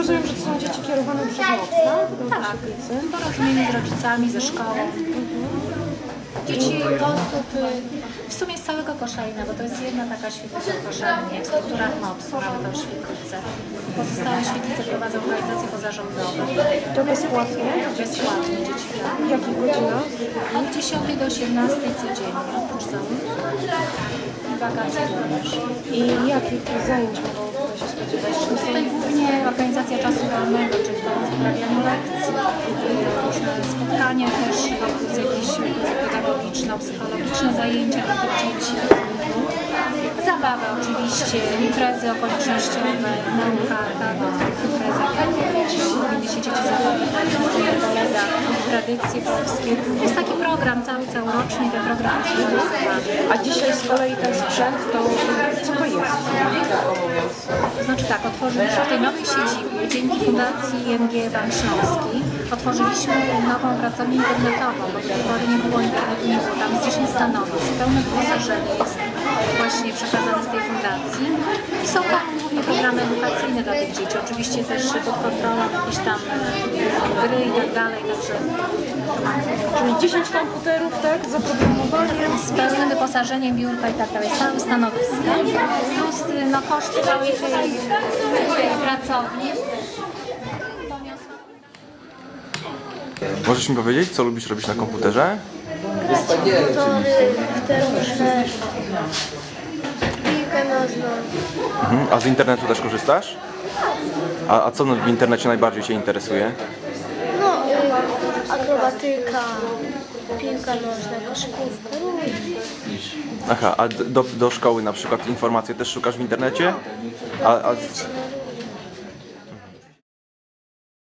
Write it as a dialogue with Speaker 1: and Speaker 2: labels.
Speaker 1: rozumiem, że to są dzieci kierowane przez MOPS, tak?
Speaker 2: Tak, w porozumieniu z rodzicami, ze szkołą. Dzieci osób w sumie z całego Koszalina, bo to jest jedna taka świetlica w Koszalinie, w strukturach MOPS-u mamy tą świetlicę. Pozostałe świetlice prowadzą organizacje pozarządowe.
Speaker 1: To bezpłatnie?
Speaker 2: Bezpłatnie dzieci.
Speaker 1: W jakich godzinach?
Speaker 2: Od 10 do 18 codziennie, oprócz i wakacje również.
Speaker 1: I jakich zajęć mogą tutaj się spodziewać?
Speaker 2: Tutaj głównie organizacja czasu wolnego, czyli uprawianie lekcji, różne spotkania też, plus jakieś pedagogiczno-psychologiczne zajęcia dla tych dzieci. Zabawa oczywiście, imprezy okolicznościowe, nauka, tak, w tych imprezach powinny się dzieci zabawiać, kolega, tradycje polskie. Jest taki program całoroczny, ten program jest realizowany.
Speaker 1: A dzisiaj z kolei ten sprzęt, to co to jest?
Speaker 2: To znaczy tak, otworzyliśmy w tej nowej siedzibie, dzięki Fundacji ING Bank Śląski, otworzyliśmy nową pracownię internetową, bo do tej pory nie było internetu, nie było tam 10 stanowisk, pełne wyposażenie jest właśnie przekazane z tej fundacji. I są tam głównie programy edukacyjne dla tych dzieci, oczywiście też pod kontrolą jakieś tam gry i tak dalej, także
Speaker 1: Czyli 10 komputerów, tak? Z oprogramowaniem.
Speaker 2: z pełnym wyposażeniem, biurka i tak dalej, stałe stanowiska, plus no, koszt całej tej pracowni.
Speaker 3: Możesz mi powiedzieć, co lubisz robić na komputerze?
Speaker 4: Motory, wtedy piłkę nożną.
Speaker 3: A z internetu też korzystasz? A co w internecie najbardziej Cię interesuje?
Speaker 4: No, akrobatyka, piłka nożna, koszykówka.
Speaker 3: Aha, a do szkoły na przykład informacje też szukasz w internecie? A